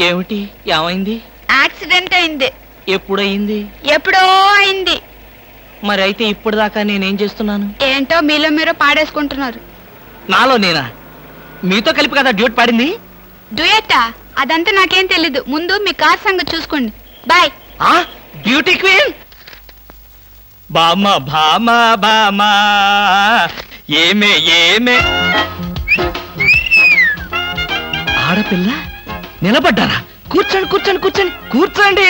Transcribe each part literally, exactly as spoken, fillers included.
ఏమిటి? ఏమైంది? యాక్సిడెంట్ అయింది. ఎప్పుడయింది? ఎప్పుడో అయింది. మరి అయితే ఇప్పుడు దాకా నేనేం చేస్తున్నాను? ఏంటో మీలో మీరు పాడేసుకుంటున్నారు. నాలో నేనా? మీతో కలిపి కదా డ్యూట్ పాడింది. డ్యూయట్టా? అదంతా నాకేం తెలీదు. ముందు మీ కార్ సంగతి చూసుకోండి. బాయ్. ఆ బ్యూటీ క్వీన్ బామ భామ బామ ఏమే ఏమే ఆడపిల్ల నిలబడ్డారా? కూర్చోండి కూర్చోండి కూర్చోండి కూర్చోండి.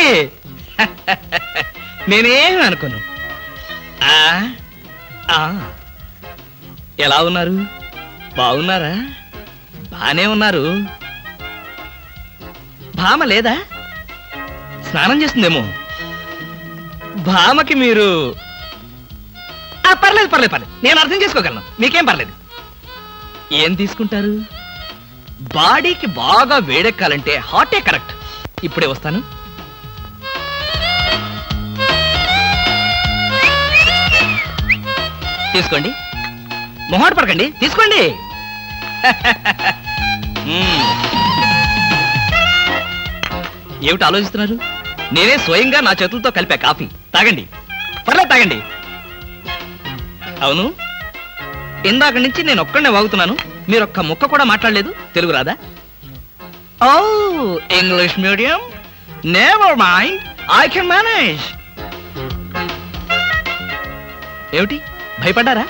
నేనేం అనుకోను. ఆ, ఆ, ఎలా ఉన్నారు? బాగున్నారా? బానే ఉన్నారు. భామ లేదా? స్నానం చేస్తుందేమో. భామకి మీరు ఆ, పర్లేదు పర్లేదు పర్లేదు నేను అర్థం చేసుకోగలను. మీకేం పర్లేదు. ఏం తీసుకుంటారు? బాడీకి బాగా వేడెక్కాలంటే హాటే కరెక్ట్. ఇప్పుడే వస్తాను. తీసుకోండి. మొహాట పడకండి, తీసుకోండి. మ్మ్. ఏమిటి ఆలోచిస్తున్నారు? నేనే స్వయంగా నా చేతులతో కలిపా కాఫీ. తాగండి, పర్లేదు తాగండి. అవును, ఇందాక నుంచి నేను ఒక్కడనే వాగుతున్నాను. మీరు ఒక్క ముక్క కూడా మాట్లాడలేదు. తెలుగు రాదా? ఓ, English medium. Never mind, I can manage. ఏమిటి భయపడ్డారా?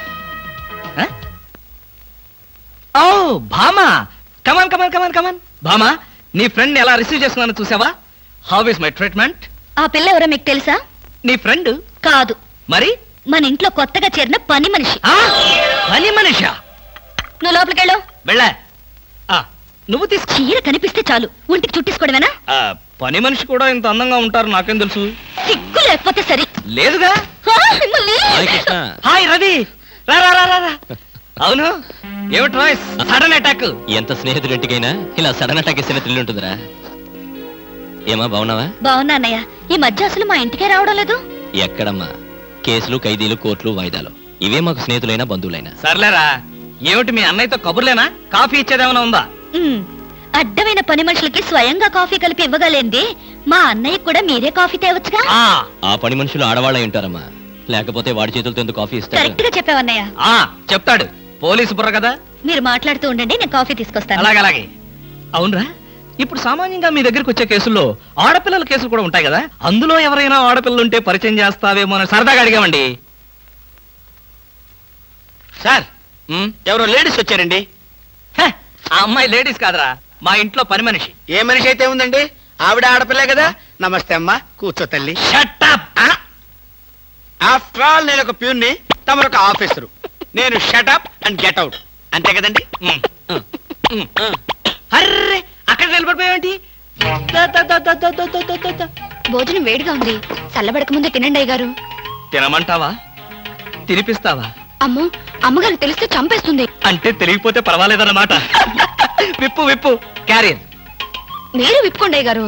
ఓ భామా, కమాన్ కమాన్ కమాన్ కమాన్. భామా, నీ ఫ్రెండ్ ఎలా రిసీవ్ చేసుకున్నాను చూసావా? How is my treatment? ఆ పిల్ల ఎవరో మీకు తెలుసా? నీ ఫ్రెండ్ కాదు, మరి మన ఇంట్లో కొత్తగా చేరిన పని మనిషి. ఆ, పని మనిషా? నువ్వు లోపలికెళ్ళు. వెళ్ళా. ఆ, నువ్వు తీసు. చీర కనిపిస్తే చాలు ఒంటికి చుట్టేసుకోవడమేనా? ఆ, పని మనిషి కూడా ఇంత అందంగా ఉంటారు నాకేం తెలుసు. సిగ్గు లేకపోతే సరి. లేదుగా. ఆ, మిమ్మల్ని. హాయ్ రవి, రా రా రా రా. అవును, ఏమిటి వాయిస్? Sudden attack. ఎంత స్నేహితుడింటికైనా ఇలా సడన్ అటాక్ ఇస్తే థ్రిల్ ఉంటుందిరా. ఏమా బాగున్నావా? బాగున్నా అన్నయ్య. ఈ మధ్య అసలు మా ఇంటికే రావడం లేదు. ఎక్కడమ్మా? కేసులు, ఖైదీలు, కోర్టులు, వాయిదాలు ఇవే మాకు స్నేహితులైనా బంధువులైనా. సర్లేరా. ఏమిటి మీ అన్నయ్యతో కబుర్లేనా? కాఫీ ఇచ్చేదేమైనా ఉందా? ఉమ్, అడ్డమైన పని మనుషులకి స్వయంగా కాఫీ కలిపి ఇవ్వగలేంది మా అన్నయ్య కూడా మీరే కాఫీ తేవచ్చుగా. ఆ, ఆ పని మనుషులు ఆడవాళ్ళై ఉంటారమ్మా. లేకపోతే వాడి చేతులతో ఎందుకు కాఫీ ఇస్తారు? కరెక్ట్ గా చెప్పావన్నయ్య. ఆ, చెప్తాడు. పోలీసు బుర్ర కదా. మీరు మాట్లాడుతూ ఉండండి, నేను కాఫీ తీసుకొస్తాను. అలాగే అలాగే. అవునరా, ఇప్పుడు సామాన్యంగా మీ దగ్గరికి వచ్చే కేసుల్లో ఆడపిల్లల కేసులు కూడా ఉంటాయి కదా. అందులో ఎవరైనా ఆడపిల్లలు ఉంటే పరిచయం చేస్తావేమో అని సరదాగా అడిగామండి. సార్, ఉమ్, ఎవరో లేడీస్ వచ్చారండి. హే, ఆ అమ్మాయి లేడీస్ కాదురా, మా ఇంట్లో పని మనిషి. ఏ మనిషి అయితే ఉందండి, ఆవిడ ఆడపిల్లే కదా. నమస్తే అమ్మా, కూర్చో తల్లి. Shut up! ఆ? ఆఫ్టర్ ఆల్ నేను ఒక ప్యూన్ని, తమరు ఒక ఆఫీసరు. నేను షటప్ అండ్ గెట్ అవుట్, అంతే కదండి. ఉమ్, ఉమ్, ఉమ్. అర్రే, అక్కడ నిలబడిపోయావేంటి? దా, దా, దా, దా, దా, దా, దా, దా, దా. భోజనం వేడిగా ఉంది, చల్లబడక ముందే తినండి అయ్యగారు. తినమంటావా? తినిపిస్తావా? అమ్మో, అమ్మగారు తెలిస్తే చంపేస్తుంది. అంటే తెలియకపోతే పర్వాలేదన్నమాట. విప్పు విప్పు క్యారియర్. మీరు విప్పుకోండి అయ్యగారు.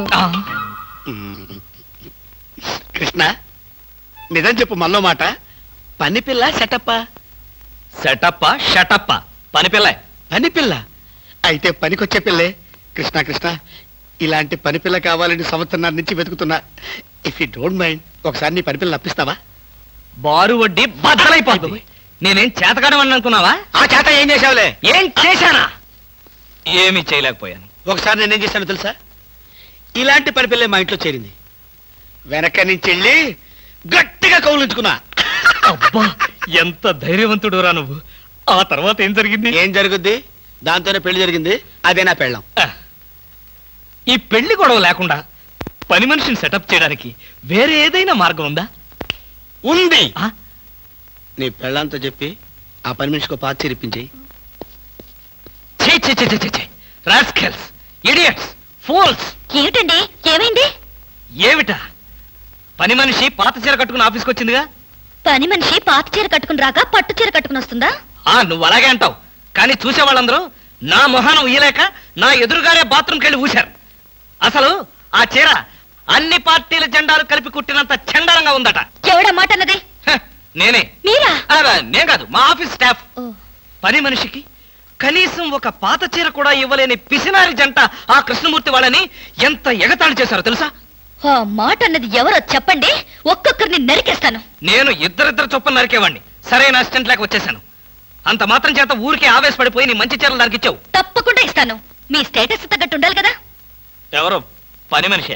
కృష్ణ, నిజం చెప్పు, మనలో మాట. పని పిల్ల సెటప్పా? సెటప్ప షటప్ప. పని పిల్ల. పని పిల్ల అయితే పనికొచ్చే పిల్లే. కృష్ణ కృష్ణ, ఇలాంటి పని పిల్ల కావాలని సంవత్సరం నుంచి వెతుకుతున్నా. ఇఫ్ యూ డోంట్ మైండ్, ఒకసారి నీ పని పిల్ల అప్పిస్తావా? బారు వడ్డీ బద్దలైపోతుంది. నేనేం చేతకాడమని అనుకున్నావా? ఆ చేత ఏం చేసావులే? ఏం చేశానా? ఏమీ చేయలేకపోయాను. ఒకసారి నేనేం చేశాను తెలుసా? ఇలాంటి పని పిల్లే మా ఇంట్లో చేరింది. వెనక నుంచి వెళ్ళి గట్టిగా కౌలించుకున్నా. అబ్బా, ఎంత ధైర్యవంతుడు రా నువ్వు. ఆ తర్వాత ఏం జరిగింది? ఏం జరుగుద్ది? దాంతోనే పెళ్లి జరిగింది. అదే నా పెళ్ళం. ఆ, ఈ పెళ్లి గొడవ లేకుండా పని మనిషిని సెటప్ చేయడానికి వేరే ఏదైనా మార్గం ఉందా? ఉంది. ఆ? నీ పెళ్ళంతో చెప్పి ఆ పని మనిషికి పాత చేరిపించేయి. ఛీ, ఛీ, ఛీ, ఛీ, ఛీ, ఛీ. Rascals, idiots, fools. ఏమిటండి, ఏమైంది? ఏమిటా? పని మనిషి పాత చీర కట్టుకుని ఆఫీస్కి వచ్చిందిగా. పని మనిషి పాత చీర కట్టుకుని రాక పట్టు చీర కట్టుకుని వస్తుందా? ఆ, నువ్వు అలాగే అంటావు, కానీ చూసే వాళ్ళందరూ నా మొహానం ఉయ్యలేక నా ఎదురుగారే బాత్రూమ్కి వెళ్ళి ఊశారు. అసలు ఆ చీర అన్ని పార్టీల జెండాలు కలిపి కుట్టినంత చండాలంగా ఉందట. ఎవడా మాట అన్నది? హ, నేనే. మీరా? ఆ, నేను కాదు, మా ఆఫీస్ స్టాఫ్. ఓ, పని మనిషికి కనీసం ఒక పాత చీర కూడా ఇవ్వలేని పిసినారి జంట ఆ కృష్ణమూర్తి వాళ్ళని ఎంత ఎగతాళి చేశారో తెలుసా? ఆ మాట అన్నది ఎవరో చెప్పండి, ఒక్కొక్కరిని నరికేస్తాను. నేను ఇద్దరిద్దరు చొప్పున నరికేవాడిని, సరైన అసిస్టెంట్ లేక వచ్చేసాను. అంత మాత్రం చేత ఊరికే ఆవేశపడిపోయి నీ మంచి చీరలు నరికిచ్చావు. తప్పకుండా ఇస్తాను. మీ స్టేటస్ తగ్గట్టు ఉండాలి కదా. ఎవరు పని మనిషి?